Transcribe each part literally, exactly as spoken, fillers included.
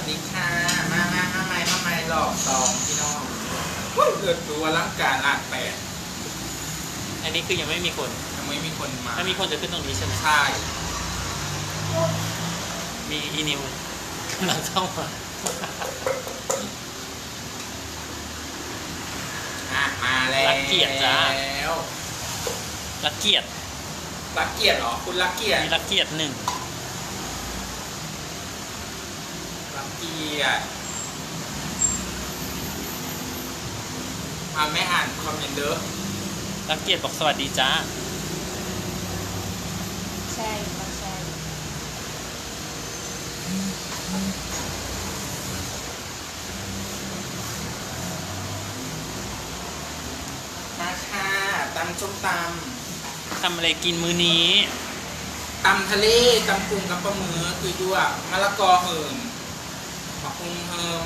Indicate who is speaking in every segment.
Speaker 1: สดีค่ะมามามาไม่มาไม่หลอกสองพี่น้องเกิดตัวร่างกายละแปด
Speaker 2: อันนี้คือยังไม่มีคน
Speaker 1: ยังไม่มีคนมา
Speaker 2: ถ้ามีคนจะขึ้นตรงนี้ใช่ไหม
Speaker 1: ใช่
Speaker 2: มีอีนิวหลังเข้ามา
Speaker 1: อ่ะมาแล้ว
Speaker 2: รักเกียรติจ้า
Speaker 1: แล้ว
Speaker 2: รักเกียรติ
Speaker 1: รักเกียรติเหรอคุณรักเกียรติ
Speaker 2: มีรักเกียรติหนึ่ง
Speaker 1: รักเกียรติมาไม่อ่านคอมเมนต์เด้อ
Speaker 2: รักเกียรติบอกสวัสดีจ้า
Speaker 3: ใช่ต้องใช่
Speaker 1: มาค่ะตำส้มต
Speaker 2: ทำอะไรกินมื้อนี้
Speaker 1: ำตำทะเลตำกุ้งกับปลาหมึกคือด้วยมะละกอเหิมมะพุงเหิม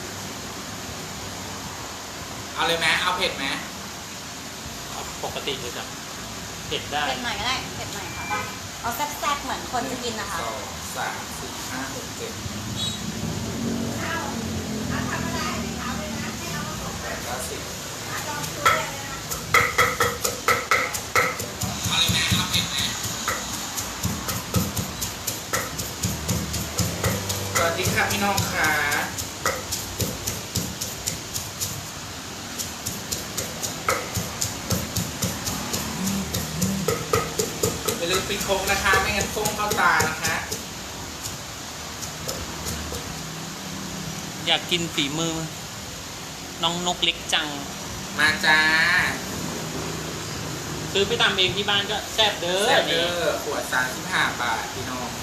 Speaker 1: เอาเลยไหมเอาเผ็ดไหม
Speaker 2: เอาปกติเลยจ้ะเผ็ดได้
Speaker 3: เผ็ดหน่อยก็ได้เผ็ดหน่อยค่ะเอาแซ่บๆเหมือนคนจะกินนะคะ
Speaker 1: สองสามสี่ห้าหกเจ็ดแปดเก้าสิบเอาเลยไหมเอาเผ็ดไหมสวัสดีค่ะพี่น้องค่ะอย่าลืมปิดโค้งนะคะไม่งั้นส้มเข้าตานะคะ
Speaker 2: อยากกินฝีมือ น้องนกเล็กจัง
Speaker 1: มาจ้า
Speaker 2: ซื้อไปทำเองที่บ้านก็แซ่บเด้อ
Speaker 1: แซ่บเด
Speaker 2: นี่
Speaker 1: อร์ขวดสามสิบห้าบาทพี่น้อง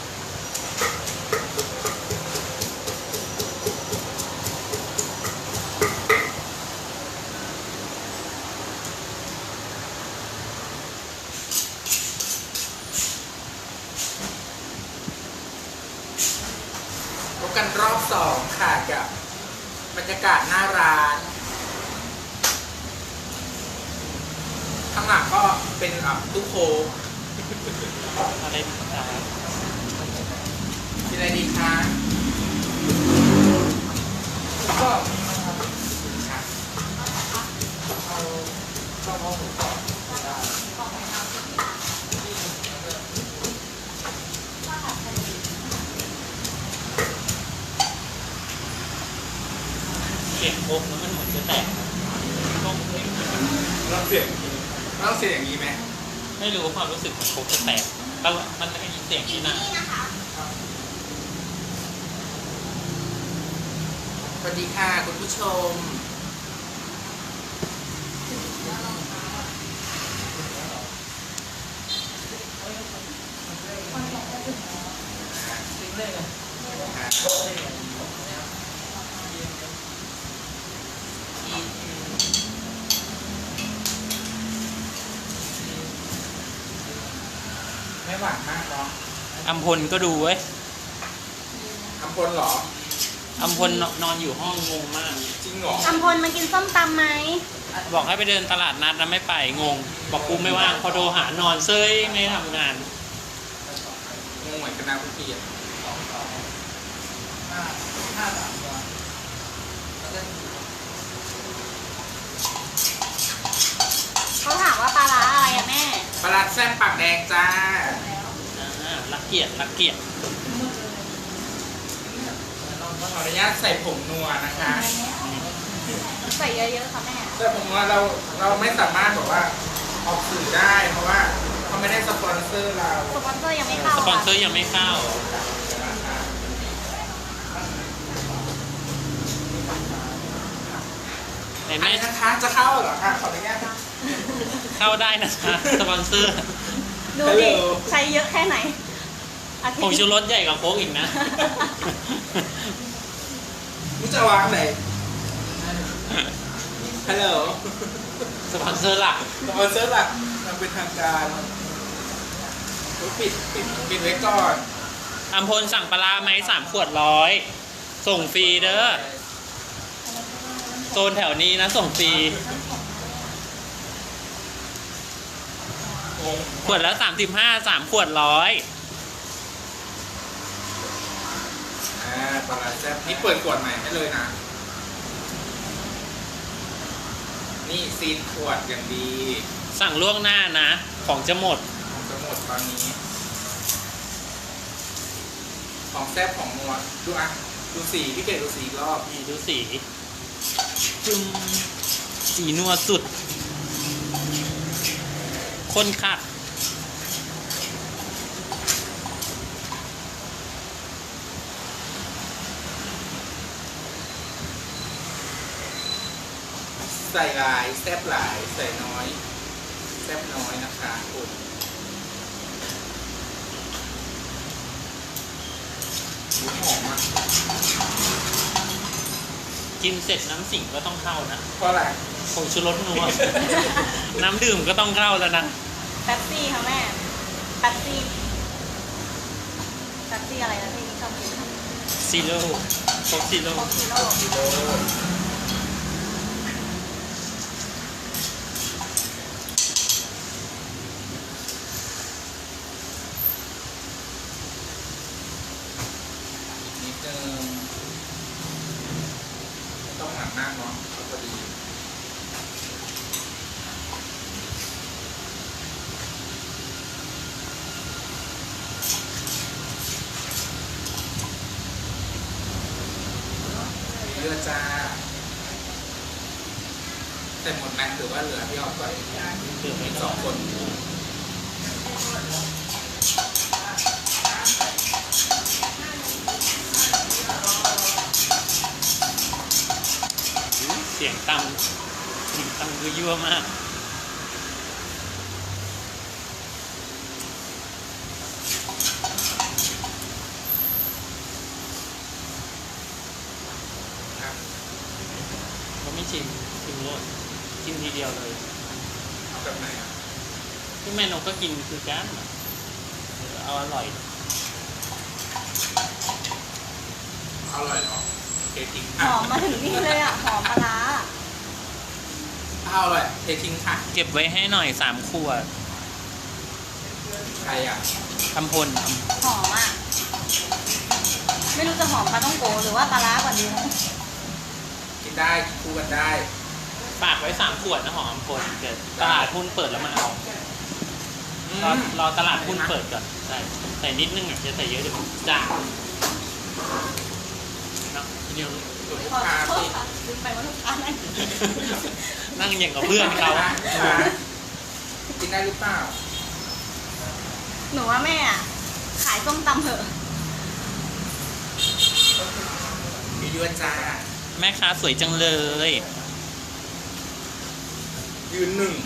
Speaker 1: พบกันรอบสองค่ะกับบรรยากาศหน้าร้าน ข้างหลังก็เป็นอ่ะตู้โค้ก
Speaker 2: อะไรอ่า
Speaker 1: กินอะไรดีคะก็ค่ะเอาข้าวหมูกรอบได้
Speaker 2: เสียงโคกแล้วมันเหมือนจะแตกต้อง
Speaker 1: ต้องเสียงอย่างนี้ต้องเสียงอย่างนี้ไหม
Speaker 2: ไม่รู้ความรู้สึกของโคกจะแตกก็มันได้ยินเสียงที่หน้า
Speaker 1: สวัสดีค่ะคุณผู้ชมไม่หวานมากเนาะ
Speaker 2: อัมพลก็ดูเว้ย
Speaker 1: ทำพลเหรอ
Speaker 2: อัมพลนอนอยู่ห้องงงมาก
Speaker 1: จริงเหรอ
Speaker 3: อัมพลมากินส้มตำไหม
Speaker 2: บอกให้ไปเดินตลาดนัดแล้วไม่ไปงง บอกกูไม่ว่างพอโทรหานอนเซ้ยไม่ทำงาน
Speaker 1: งงเหมือนกันนะพี่อ่ะ
Speaker 3: เขาถามว่าปลาร้าอะไรอะแม่
Speaker 1: ปลาร้าแซ่บปากแดงจ้า
Speaker 2: อ่ารักเกียรติรักเกียรติ
Speaker 1: ขออนุญาตใส่ผงนัวนะคะ
Speaker 3: ใส่เยอะๆค่ะแม่
Speaker 1: แต่ผมว่าเราเราไม่สามารถบอกว่าออกสื่อได้เพราะว่าเขาไม่ได้สปอนเซอร์เรา
Speaker 3: สปอนเซอร์ยังไม่เข้า
Speaker 2: สปอนเซอ
Speaker 3: ค่ะ
Speaker 2: ร์ยังไม่เข้าไหน
Speaker 1: อัน
Speaker 2: แม่
Speaker 1: นี้นะคะจะเข้าเหรอคะขออนุญาต
Speaker 2: เข้าได้นะคะสปอนเซอร์
Speaker 3: ดูดิ ใช้เยอะแค่ไหนอาทิต
Speaker 2: ผงชู
Speaker 3: ย์
Speaker 2: รสใหญ่กว่าโค้กอีกนะ
Speaker 1: นี่จะวางไหนฮัลโหล
Speaker 2: สปอนเซอร์หลัก
Speaker 1: สปอนเซอร์หลักมันเป็นทางการปิดปิดปิดไว้ก่อน
Speaker 2: อัมพลสั่งปลาร้าไหมสามขวดร้อยส่งฟรีเด้อโซนแถวนี้นะส่งฟรี ขวดละสามสิบห้าสามขวดร้อย
Speaker 1: อ่าปลาร้าแซ่บนี่เปิดขวดใหม่ให้เลยนะนี่ซีนขวดอย่างดี
Speaker 2: สั่งล่วงหน้านะ ของจะหมด
Speaker 1: ของจะหมดตอนนี้ ของแซ่บของนัวดูอ่ะดูสีพี่เกดดูสีอีกรอบ
Speaker 2: นี่ดูสีจุ่มสีนัวสุดคนคัก
Speaker 1: ใส่หลายแซ่บหลายใส่น้อยแซ่บน้อยนะคะคุณหูหอมอ่ะ
Speaker 2: กินเสร็จน้ำสิ่งก็ต้องเข้านะ
Speaker 1: เพราะอะไร
Speaker 2: ผงชูรสนัว น้ำดื่มก็ต้องเข้าแล้วนะ
Speaker 3: แป๊บซี่ค่ะแม่แป๊บซี่แป๊บซี่อะไรนะที่ชอบกินค่ะ
Speaker 2: ซีโร่โคกซีโร่
Speaker 3: โคคิโร่
Speaker 1: กิโลนิดนึงไม่ต้องหนักมากเนาะเอาพอดี เรือจ้าแต่หมดไหมหรือว่าเหลือพี่ออกก่อน
Speaker 2: ดื่ม
Speaker 1: อี
Speaker 2: ไม่
Speaker 1: กส
Speaker 2: ต้
Speaker 1: อ
Speaker 2: อง ง
Speaker 1: คน
Speaker 2: เสียงตำเสียงตำคือยั่วมาก
Speaker 1: ครับ
Speaker 2: ก็ไม่ชิมชิมเลยชิมทีเดียวเลย
Speaker 1: เอาแบบไหนอ่ะ
Speaker 2: ที่แม่นกก็กินคือก้านอะเออเอาอร่อย
Speaker 1: อร่อยเหรอเททิ้ง
Speaker 3: ห
Speaker 1: ค่ะ
Speaker 3: อมมาถึงนี่เลยอ่ะหอมปลาร้า
Speaker 1: ถ้าอร่อยเททิ้งค่ะ
Speaker 2: เก็บไว้ให้หน่อยสามขวด
Speaker 1: ใครอ่ะ
Speaker 2: ทำพล
Speaker 3: หอมอ่ะไม่รู้จะหอมปลาต้องโกหรือว่าปลาร้ากว่าดีนะ
Speaker 1: กินได้กินคู่กันได้
Speaker 2: ฝากไว้สามขวดนะของอำพลเดี๋ยวตลาดหุ้นเปิดแล้วมาเอา
Speaker 1: อื
Speaker 2: รอ
Speaker 1: ม
Speaker 2: รอตลาดหุ้นเปิดก่อนใช่ใส่นิดนึงอ่ะจะใส่เยอะเดี๋ยวมันจางเนาะทีเดียว
Speaker 1: ส่วนลูก
Speaker 3: ขอ
Speaker 1: ค้า
Speaker 3: โทษ
Speaker 1: สิ
Speaker 3: ค่ะลืมไปว่าลูกค้านั่งอยู่
Speaker 2: นั่งอย่างกับเพื่อนเขา
Speaker 1: กินได้หรือเปล่า
Speaker 3: หนูว่าแม่อะขายส้มตำเถอะ
Speaker 1: มีเยอะจ้า
Speaker 2: แม่ค้าสวยจังเลย
Speaker 1: ยืนหนึ่ง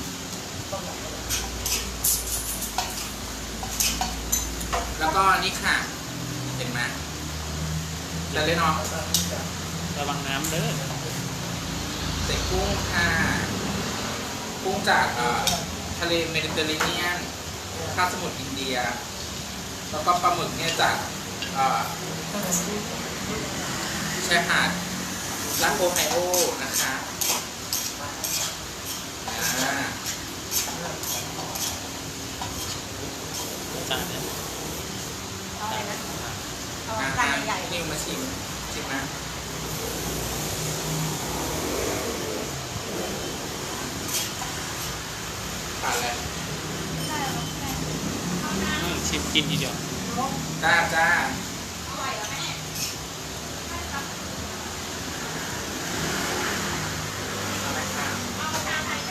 Speaker 1: แล้วก็นี่ค่ะ เห็นไหมจะเล่นเนาะ
Speaker 2: ระวังน้ำเด้อ
Speaker 1: ใส่กุ้งค่ะกุ้งจากเอ่อทะเลเมดิเตอร์เรเนียนคาบสมุทรอินเดีย แล้วก็ปลาหมึกเนี่ยจากเอ่อชายหาดรัฐโอไฮโอนะคะอ่า
Speaker 2: จานเนี่ย
Speaker 3: เอาอะไรนะเอา
Speaker 1: อ่า
Speaker 3: จานใหญ่
Speaker 1: นี่มาชิมชิมนะผ่านแล้ว
Speaker 2: อืมชิมกินทีเดียว
Speaker 1: จ้าจ้าเอาไหมคะ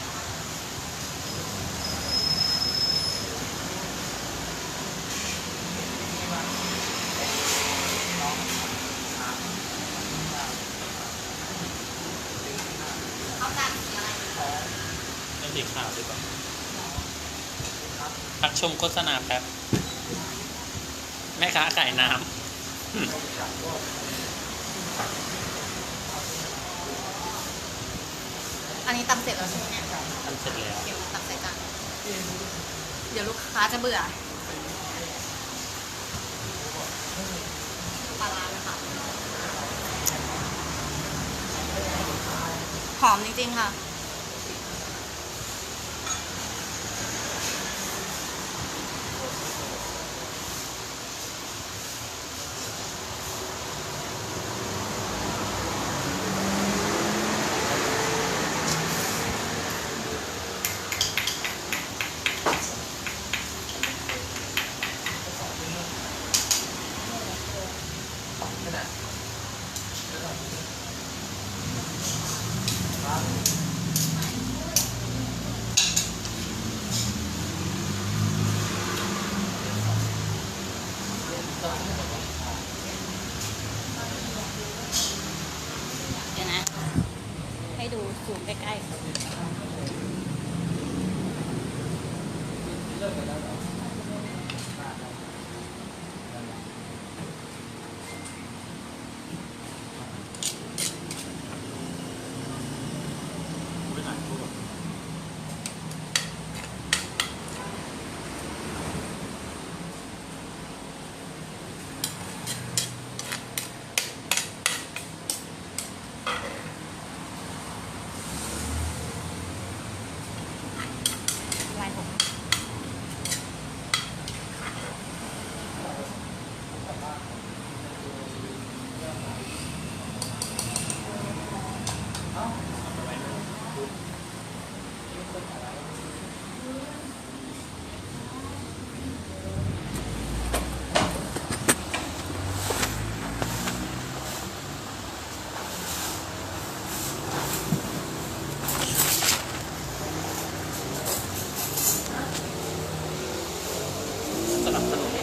Speaker 2: เป็นสีขาวดีกว่าพักชมโฆษณาแป๊บ แม่ค้าขายน้ำอืม
Speaker 3: อันนี้ตำเสร็จแล้วใช่ไหมเนี่ย
Speaker 2: ทำเสร็จแล้ว
Speaker 3: เดี๋ยวตักใส่จานเดี๋ยวลูกค้าจะเบื่อปลาร้านะคะหอมจริงๆค่ะซูมใกล้ๆลายผม
Speaker 2: สนับสนุน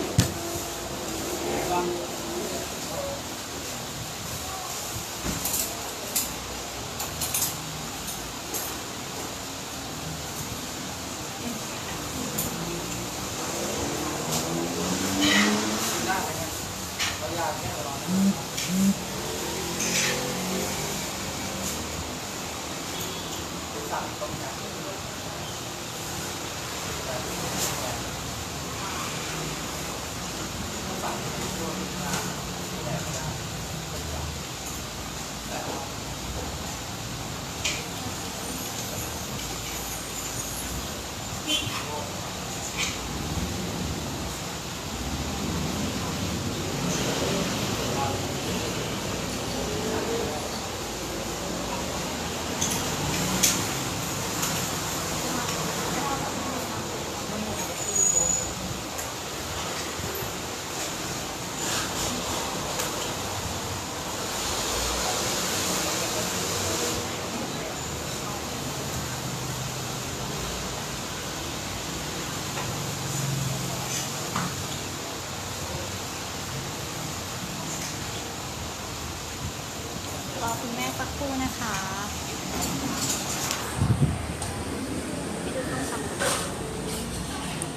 Speaker 2: รอคุณแม่สักครู่นะคะไปดูต้นสัมผัส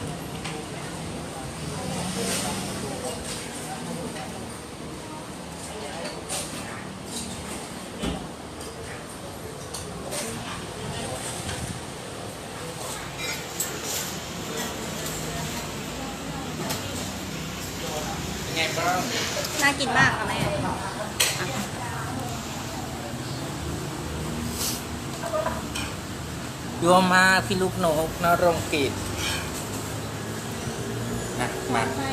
Speaker 1: เป็นไงบ้าง
Speaker 3: น่ากินมากค่ะแม่
Speaker 1: ยั่วมากพี่ลูกนกนรงกิจนะมา
Speaker 3: ให้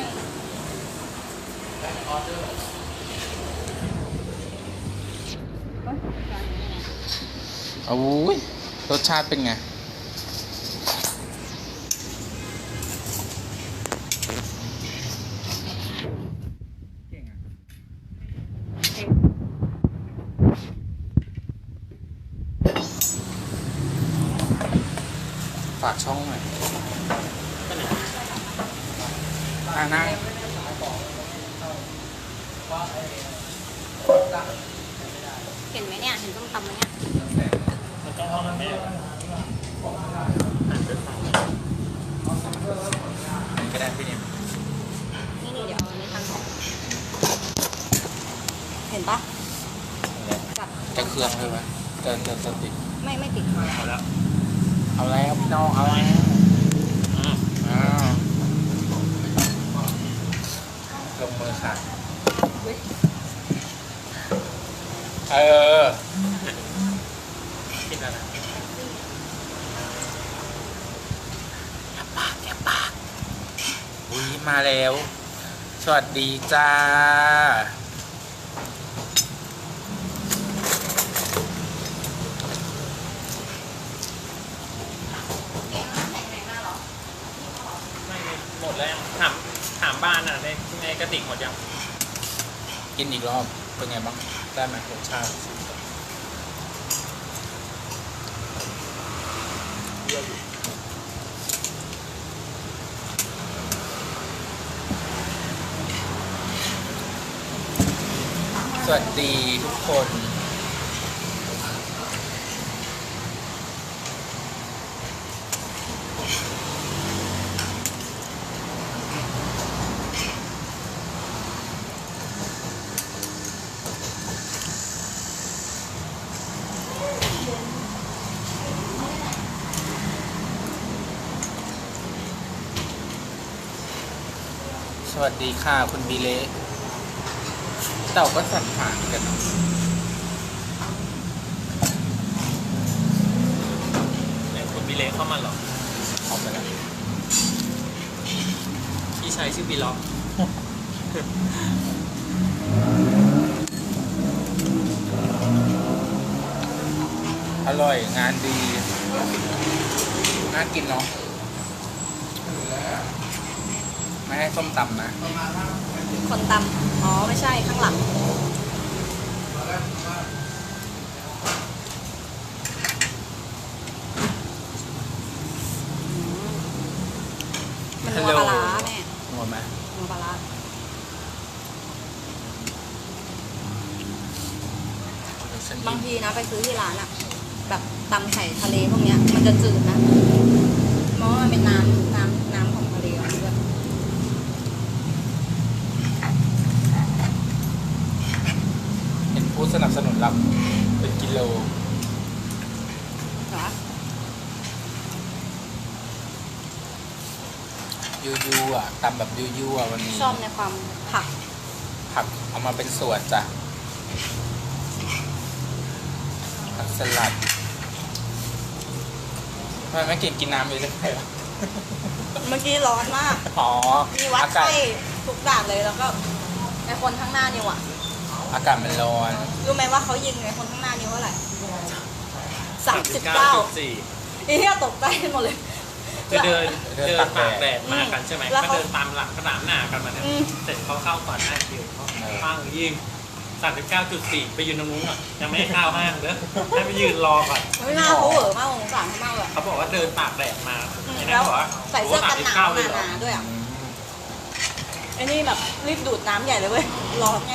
Speaker 1: โอ้ยรสชาติเป็นไงฝากช่องหน่อยอ่านั่ง
Speaker 3: เห็นไหมเนี่ย เห็นต้มตำไหมเนี่ย
Speaker 2: มันต้องเอาแม่
Speaker 1: ก็ได้พี่เนี่ย
Speaker 3: นี่นี่เดี๋ยวเอาอันนี้ตั้งของเห็นปะจับ
Speaker 1: จะเครื่องเลยไหมจะจะจะติด
Speaker 3: ไม่ไม่ติด
Speaker 2: เอาแล้ว
Speaker 1: เอาแล้วพี่น้องเอาแล้ว
Speaker 2: อืม
Speaker 1: อ้าวลงมือค่ะเออ
Speaker 2: กินแล้วนะ
Speaker 1: อย่าปากอย่าปากอุ้ยมาแล้ว สวัสดีจ้า
Speaker 2: ไม่หมดแล้วถามถามบ้านอ่ะในในกระติกหมดยัง
Speaker 1: กินอีกรอบ เป็นไงบ้าง ได้ไหมรสชาติสวัสดีทุกคนวัสดีค่ะคุณบีเล่เต่าก็สั่นผ่านกันเนาะ
Speaker 2: เนี่ยคุณบิเล็กเข้ามาเหรอ
Speaker 1: ออกไปแล้ว
Speaker 2: พี่ชายชื่อบีล็อก
Speaker 1: อร่อยงานดีน่ากินเนาะไม่ให้ส้มตำนะ
Speaker 3: คนตำอ๋อ ไม่ใช่ข้างหลัง มันนัวปลาร้าแม่
Speaker 1: นัวไหม
Speaker 3: นัวปลาร้า
Speaker 1: เดี๋ยวฉัน
Speaker 3: บางทีนะไปซื้อที่ร้านอะแบบตำไข่ทะเลพวกเนี้ย มันจะจืดนะ เพราะว่ามันเป็นน้ำน้ำน้ำของทะเลอะด้วย
Speaker 1: เห็นผู้สนับสนุนรับเป็นกิโล
Speaker 3: เหรอ
Speaker 1: ยูยูอ่ะตำแบบยูยูอ่ะวันนี้
Speaker 3: ชอบในความผัก
Speaker 1: ผักเอามาเป็นส่วนจ้ะผักสลัดทำไมไม่กินกินน้ำอยู่ได้ไหมวะ
Speaker 3: เมื่อกี้ร้อนมาก
Speaker 1: อ๋อ
Speaker 3: มีวัด
Speaker 1: อากาศ
Speaker 3: ไข้ทุกด่านเลยแล้วก็ในคนข้างหน้านิวอะ
Speaker 1: อากาศมันร้อน
Speaker 3: รู้ไหมว่าเขายิงในคนข้างหน้านิวเท่าไหร่สามสิบเก้า
Speaker 2: สี่
Speaker 3: อีเหี้ยตกใจหมดเลย
Speaker 2: คือเดิน
Speaker 1: เดิน
Speaker 2: เดิน
Speaker 1: ตาก
Speaker 2: ตาก
Speaker 1: แด
Speaker 2: แด
Speaker 1: ด
Speaker 2: ดมากันใช่ไหม
Speaker 3: แล้ว
Speaker 2: ก็
Speaker 3: เขา
Speaker 2: เดินตามหลังสนามหน้ากันมาเนี่ย
Speaker 3: อืม
Speaker 2: เสร็จเขาเข้าก่อนหน้าคิวเขา
Speaker 1: เออ
Speaker 2: ข้างยิงสามสิบเก้าจุดสี่ไปยืนตรงนู้นอ่ะยังไม่ให้เข้าห้างเด้อให้ไปยืนรอก่อน
Speaker 3: ไม่น่าเขาเหวอมากสงสารเขามากเลย
Speaker 2: เขาบอกว่าเดินตากแดดมา
Speaker 3: อืม
Speaker 2: ไอ้
Speaker 3: แล้
Speaker 2: นั่น
Speaker 3: ว
Speaker 2: บอกว่า
Speaker 3: ใส่เสื้อกันหนาว
Speaker 2: โอ้โสมสิบเก้เลยเหรอ
Speaker 3: หนาๆด้วยอ่ะ
Speaker 1: อืม
Speaker 3: ไอ้นี่แบบรีบดูดน้ำใหญ่เลยเว้ยร้อนไง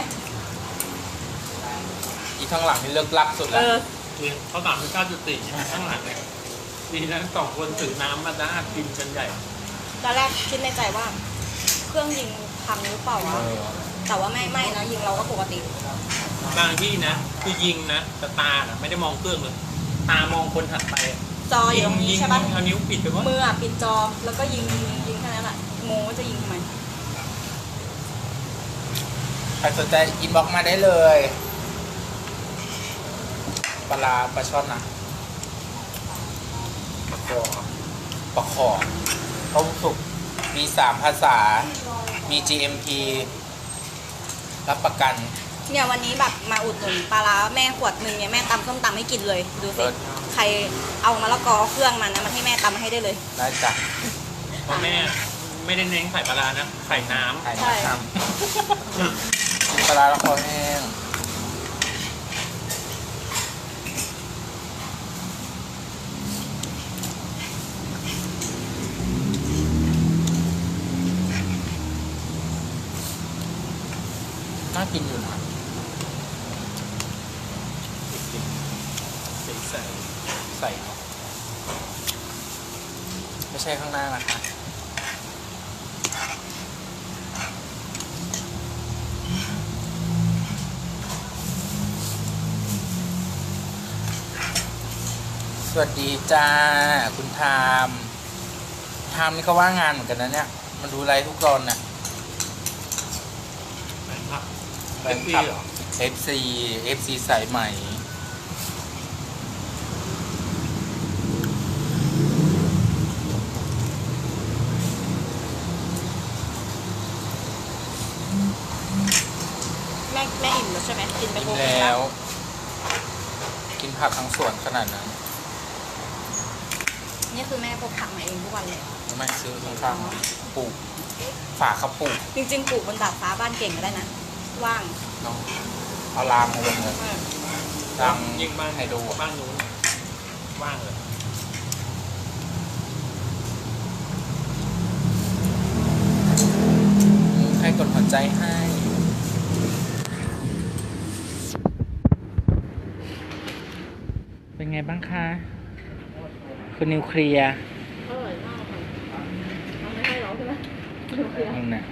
Speaker 1: อีข้างหลังนี่เลิกลักสุด
Speaker 3: เอ
Speaker 1: แล้ว
Speaker 3: อ
Speaker 2: คือเขาสามสิบเก้าจุดสี่ข้างหลังเนี่ยดีนะสองคนถือน้ำมาด้ากินกันใหญ่
Speaker 3: ตอนแรกคิดในใจว่า เครื่องยิงพังหรือเปล่า
Speaker 1: เอ
Speaker 3: วะ
Speaker 1: อ
Speaker 3: แต่ว่าไม่ไม่นะยิงเราก็ปกติ
Speaker 2: บางที่นะคือยิงนะแต่ตาน่ะไม่ได้มองเครื่องเลย ตามองคนถัดไปอะ
Speaker 3: จออยู่ตรงนี้
Speaker 2: ยิง
Speaker 3: ใช่ปะ
Speaker 2: เอานิ้วปิดไปว่า
Speaker 3: มืออ่ะปิดจอแล้วก็ยิงยิงแค่นั้นแหละงงว่าจะยิงทำไม
Speaker 1: ใครสนใจอินบ็อกมาได้เลยปลาร้าปลาช่อนนะ
Speaker 2: ประคอ
Speaker 1: ปลาขอต้มสุกมีสามภาษา มี จี เอ็ม พี รับประกัน
Speaker 3: เนี่ยวันนี้แบบมาอุดหนุนปลาร้าแม่ขวดหนึ่งเนี่ยแม่ตำส้มตำให้กินเลยดู
Speaker 1: เลิ
Speaker 3: สิ
Speaker 1: ศ
Speaker 3: ใครเอามะละกอเครื่องมันนะมันให้แม่ตำให้ได้เลย
Speaker 1: ได้จ้ะ
Speaker 2: เพราะแม่ไม่ได้เน้นไข่ปลาร้านะไข่น้
Speaker 1: ไข่
Speaker 3: ใช่
Speaker 1: น้ำกินปลาร้าแล้วคอแห้งน่ากินอยู่นะ
Speaker 2: ำสีใส
Speaker 1: ใส่เนอะไม่ใช่ข้างหน้านะคะสวัสดีจ้า คุณทามทามนี่ก็ว่างงานเหมือนกันนะเนี่ย มันดูไลฟ์ทุกตอนน่ะ
Speaker 2: แฟนคลับ
Speaker 1: แฟ
Speaker 2: เป็น
Speaker 1: น
Speaker 2: ปี
Speaker 1: คลับ
Speaker 2: เหรอ
Speaker 1: เอฟ ซี เอฟ ซี สายใหม่
Speaker 3: แม่แม่อิ่มแล้วใช่ไหมกินไป
Speaker 1: กิน
Speaker 3: โบก
Speaker 1: แล้ว กินผักทั้งสวนขนาดนั้น
Speaker 3: นี่คือแม่พกผักมาเองทุกวันเลย
Speaker 1: ไม่ซื้อข้างๆปลูก ฝากเขาปลูก
Speaker 3: จริงๆปลูกบนดาดฟ้าบ้านเก่งก็ได้นะว่าง
Speaker 1: เนาะเอารางมาลงเลย
Speaker 3: เออ
Speaker 1: ราง
Speaker 2: ยิงบ้าน
Speaker 1: ให้ดู
Speaker 2: บ้านนู้นว่างเลย
Speaker 1: ให้กดหัวใจให้ เป็นไงบ้างคะ คุณนิวเคลียร์
Speaker 3: อร่อยมากเลยเอาไม่ให้หรอใช่ไหมโอเค
Speaker 1: นั่นน่ะ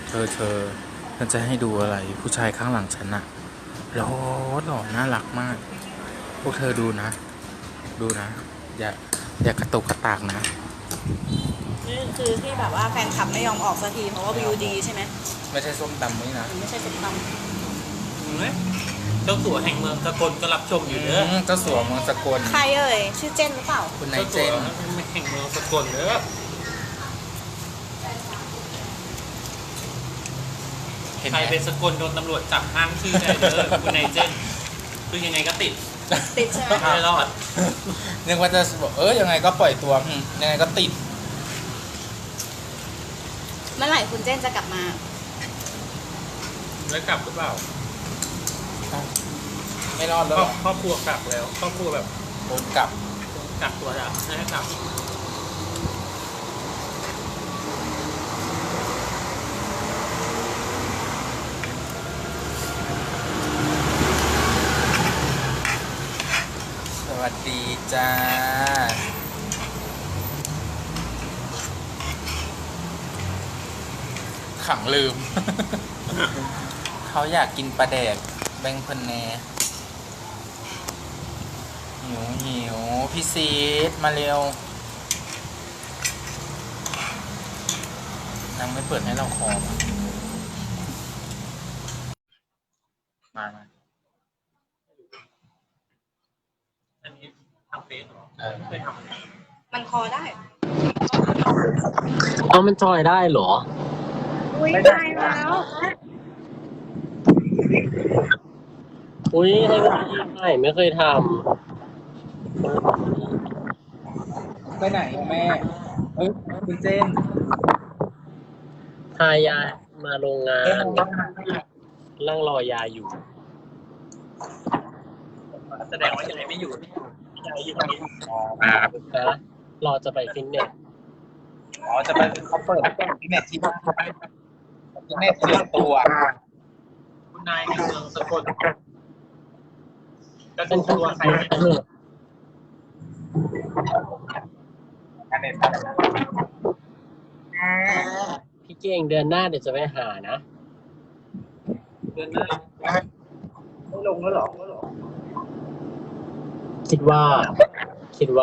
Speaker 1: เธอเธอฉันจะให้ดูอะไร ผู้ชายข้างหลังฉันอะหล่อหล่อน่ารักมาก พวกเธอดูนะ ดูนะ อย่าอย่ากระตุกกระตากนะ
Speaker 3: นี่คือที่แบบว่าแฟนคลับไม่ยอมออกสักทีเพราะว่าวิวดีใช่ไหม
Speaker 1: ไม่ใช่ส้มตำนี่นะ
Speaker 3: ไม่ใช่สุดต
Speaker 2: เห็นไหมเจ้าสัวแห่งเมืองสกลก็รับชมอยู่เด้อ
Speaker 1: อืมเจ้าสัวเมืองสกล
Speaker 3: ำใครเอ่ยชื่อเจนหรือเปล่า
Speaker 1: คุณนายเจน
Speaker 2: แห่งเมืองสกลเด้อใครเป็นสกลโดนตำรวจจับห้ามชื่อได้เด้อคุณนายเจนคือยังไงก็ติด
Speaker 3: ติดใช่ไหม
Speaker 2: ไม่รอด
Speaker 1: นึกว่าจะบอกเออยังไงก็ปล่อยตัวอืมยังไงก็ติด
Speaker 3: เมื่อไหร่คุณเจนจะกลับมา
Speaker 2: แล้วกลับหรือเปล่า
Speaker 1: ไม่รอด
Speaker 2: ค
Speaker 1: แล้ว
Speaker 2: ร
Speaker 1: ห
Speaker 2: อ
Speaker 1: ร
Speaker 2: บ
Speaker 1: อ
Speaker 2: ครอบครัวกลับแล้วครอบครัวแบบ
Speaker 1: โดนกลับ
Speaker 2: กลับตัวแล้วให้กลับ
Speaker 1: สวัสดีจ้า ขังลืม เขาอยากกินปลาแดกแบงเพนแนหิวหิวพี่ซีดมาเร็วนางไม่เปิดให้เราคอมมามา
Speaker 2: อันนี้ทำเฟซเหรอ
Speaker 1: เออ
Speaker 2: เคยทำ
Speaker 3: มันคอได้
Speaker 4: เอามันจอยได้เหรอ
Speaker 3: อุ้ยตายแล้ว
Speaker 4: อุ้ยให้มันดีใหม่ไม่เคยท
Speaker 1: ไปไหนแม่เอ้ยคุณเจน
Speaker 4: ำทายามาโรงงานนั่งรอยาอยู่
Speaker 2: แสดงว่ายังไงไม่อยู่ยายอยู่ตรงนี้
Speaker 4: นะรอจะไปฟิตเนส
Speaker 1: อ๋อจะไปเขาเปิดที่เน็ตที่บ้านที่เน็ตส่วนตัว
Speaker 2: คุณนายแห่งเมืองสกลจะดูตัวใครไหม
Speaker 1: อันเน็ต
Speaker 4: พี่เก่งเดือนหน้าเดี๋ยวจะไปหานะ
Speaker 2: เดือนหน้า
Speaker 1: ไม่ลงแล้วหรอ
Speaker 4: คิดว่า คิดว่า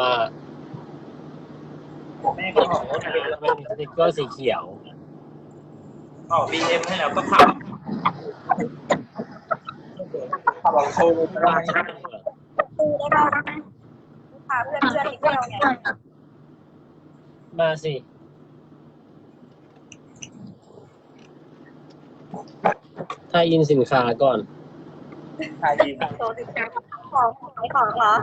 Speaker 2: แม่ก็บอกว่าจะเป็น
Speaker 4: เป็นสติ๊กเกอร์สีเขียว
Speaker 2: ออกบีเอ็มให้แล้วก็ขับ
Speaker 1: ขับรถโชว์ได้
Speaker 3: ปูได้ไหมพาเพื่อนเพื่อนอีกเที่ยวไง
Speaker 4: มาสิ ทายอินสินค้าก่อน
Speaker 1: ทายดี
Speaker 3: โตติดกันของขายของเหรอ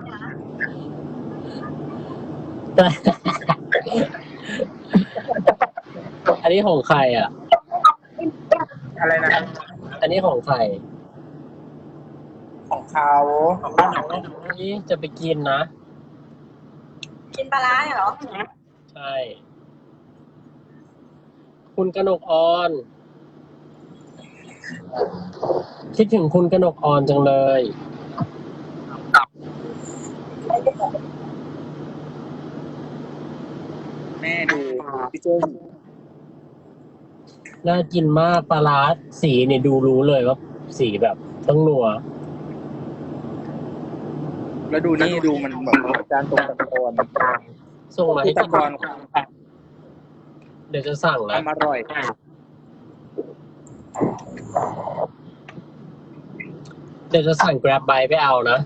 Speaker 4: อันนี้ของใครอ่ะ
Speaker 1: อะไรนะ
Speaker 4: อันนี้ของใคร
Speaker 1: ของเขา
Speaker 2: ของพี่น้อง
Speaker 4: นี่จะไปกินนะ
Speaker 3: กินปลาร้าเนี่ยเหรอ
Speaker 4: ใช่ คุณกนกออน คิดถึงคุณกนกออนจังเลย
Speaker 1: แม่ดูพี่เจน
Speaker 4: น่ากินมากปลาร้าสีเนี่ยดูรู้เลยว่าสีแบบต้องนัว
Speaker 1: แล้วดูนี่ดูมันแบบจานตรงตะกอน
Speaker 4: ส่งมาให้
Speaker 1: ตะ
Speaker 4: กิน
Speaker 1: กอน
Speaker 4: เดี๋ยวจะสั่งแล้ว
Speaker 1: ทำอร่อย
Speaker 4: เดี๋ยวจะสั่ง Grab Bike ไปเอานะ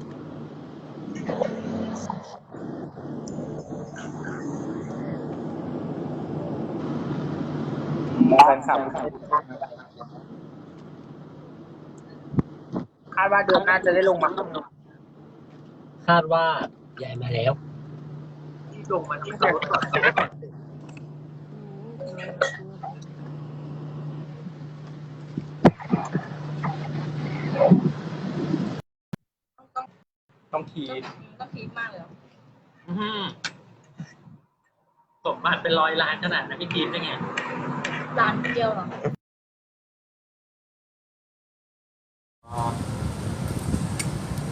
Speaker 1: แฟนคลับคาดว่าเดือนหน้าจะได้ลงมา
Speaker 4: คาดว่าใหญ่มาแล้ว
Speaker 2: ที่ลงมาที่ขับรถก่อนจะได้ก่อน
Speaker 1: ต้องที
Speaker 3: ต้องพีคมากเลยเหรอ
Speaker 2: อื้อหือสมบัติเป็นร้อยล้านขนาดนั้นพี่พีทได้ไง
Speaker 3: ร้านเดียวเหรอ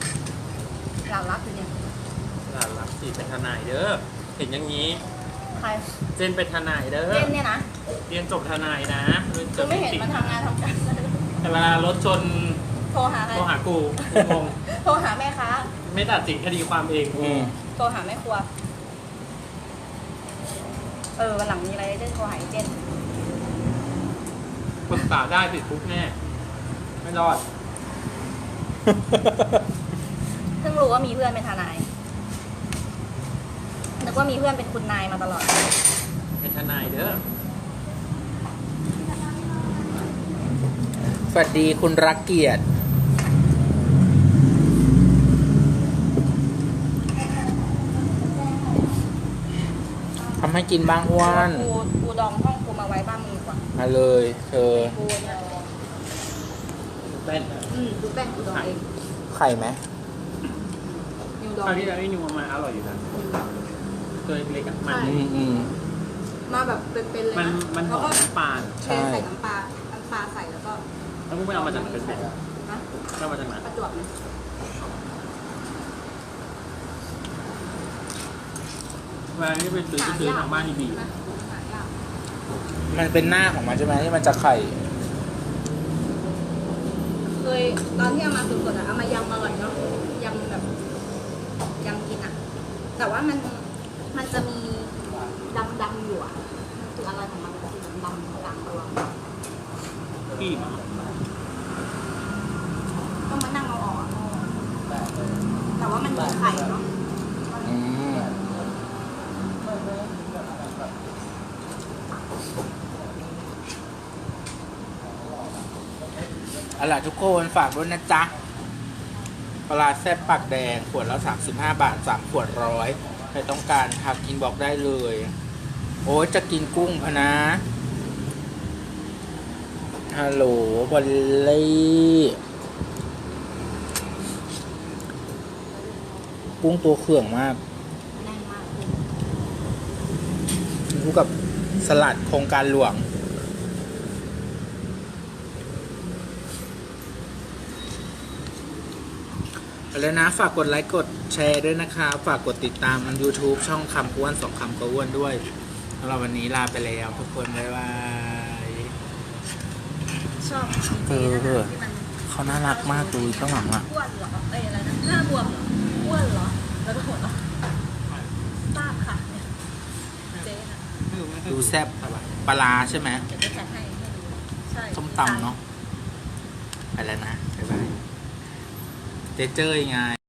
Speaker 3: เรารับอยู่เนี่ย
Speaker 2: หลานรักสีเป็นทนายเด้อเห็นอย่างนี้
Speaker 3: ใคร
Speaker 2: เจนเป็นทนายเด้อ
Speaker 3: เจนเนี่ยนะ
Speaker 2: เรียนจบทนายนะ
Speaker 3: กูไม่เห็นมันทำงานทำการ
Speaker 2: แต่เวลารถชน
Speaker 3: โทรหาใคร
Speaker 2: โทรหากูกูงง
Speaker 3: โทรหาแม่ค้า
Speaker 2: ไม่ตัดสินคดีความเอง
Speaker 1: อืม
Speaker 3: โทรหาแม่ครัว เออวันหลังมีอะไรจะโทรหาไอ้เจน
Speaker 2: ปรึกษาได้ติดคุกแน่ ไม่รอด
Speaker 3: เพิ่งรู้ว่ามีเพื่อนเป็นทนายนึกว่ามีเพื่อนเป็นคุณนายมาตลอด
Speaker 2: เป็นทนายเด้อ
Speaker 1: สวัสดีคุณรักเกียรติทำให้กินบ้างอ้วน
Speaker 3: กูกูดองห้องกูมาไว้บ้านมึงดีกว่า
Speaker 1: มาเลยเธอ
Speaker 3: กูเนี่ย
Speaker 2: เป็น
Speaker 3: อืมดูแป้งกูดองเอง
Speaker 1: ไข่ไหม
Speaker 3: นิวดอง
Speaker 2: คราวที่แล้วไอ้นิวมาอร่อยอยู่นะตัวเล็กๆอะมัน
Speaker 1: อืมอืม
Speaker 3: มาแบบเป็นๆเลย
Speaker 2: มัน
Speaker 3: นะ
Speaker 2: มันหอมน้ำปลา
Speaker 3: เทใส่น้ำปลาน้ำปลาใส่แล้วก็
Speaker 2: แล้วมึงไปเอามาจากไหนเป็นเป็ด
Speaker 3: นะ
Speaker 2: เอามาจากไหน
Speaker 3: ประจวบไหม
Speaker 2: เวลาที่ไปซื้อไปซื้อทางบ้านดีบี
Speaker 3: นะหายาก
Speaker 1: มันเป็นหน้าของมันใช่ไหมที่มันจะไข่
Speaker 3: เคยตอนที่เอามาสดๆอะเอามายำอร่อยเนาะยำแบบยำกินอะแต่ว่ามันมันจะมีดำๆอยู่อะมันคืออะไรของมันมันคือดำๆกลางตัว
Speaker 2: พี่
Speaker 3: ต้องมานั่งเอาออกอะแต่ว่ามันมีไข่เนาะ
Speaker 1: อืมเอาล่ะทุกคนฝากด้วยนะจ๊ะปลาร้าแซ่บปากแดง ขวดละสามสิบห้าบาทสามขวดร้อยใครต้องการทักอินบอกได้เลย โอ้ยจะกินกุ้งพะนะฮัลโหลบอลลี่กุ้งตัวเขื่องมาก
Speaker 3: แน่นมาก
Speaker 1: คู่กับสลัดโครงการหลวง แล้วนะฝากกดไลค์กดแชร์ด้วยนะคะ ฝากกดติดตามมัน YouTube ช่องคำอ้วนสองคำก็อ้วนด้วยสำหรับวันนี้ลาไปแล้วทุกคน บ๊ายบาย
Speaker 3: ชอบ
Speaker 1: เออ
Speaker 3: ที่มัน
Speaker 1: เขาน่ารักมากดูข้างหลังอ่ะ
Speaker 3: อ้วนเหรอเอ้ยอะไรนะหน้าบวมเหรออ้วนเหรอแล้วก็หัวเราะทราบค่ะเนี่ยเจ๊ค่ะ
Speaker 1: ดูแซ่บปลาร้าใช่ไหม
Speaker 3: เดี๋ยวจะจัดให้ให้ดูใช่
Speaker 1: ส้มตำเนาะไปแล้วนะ บ๊ายบาย เจเจอยังไง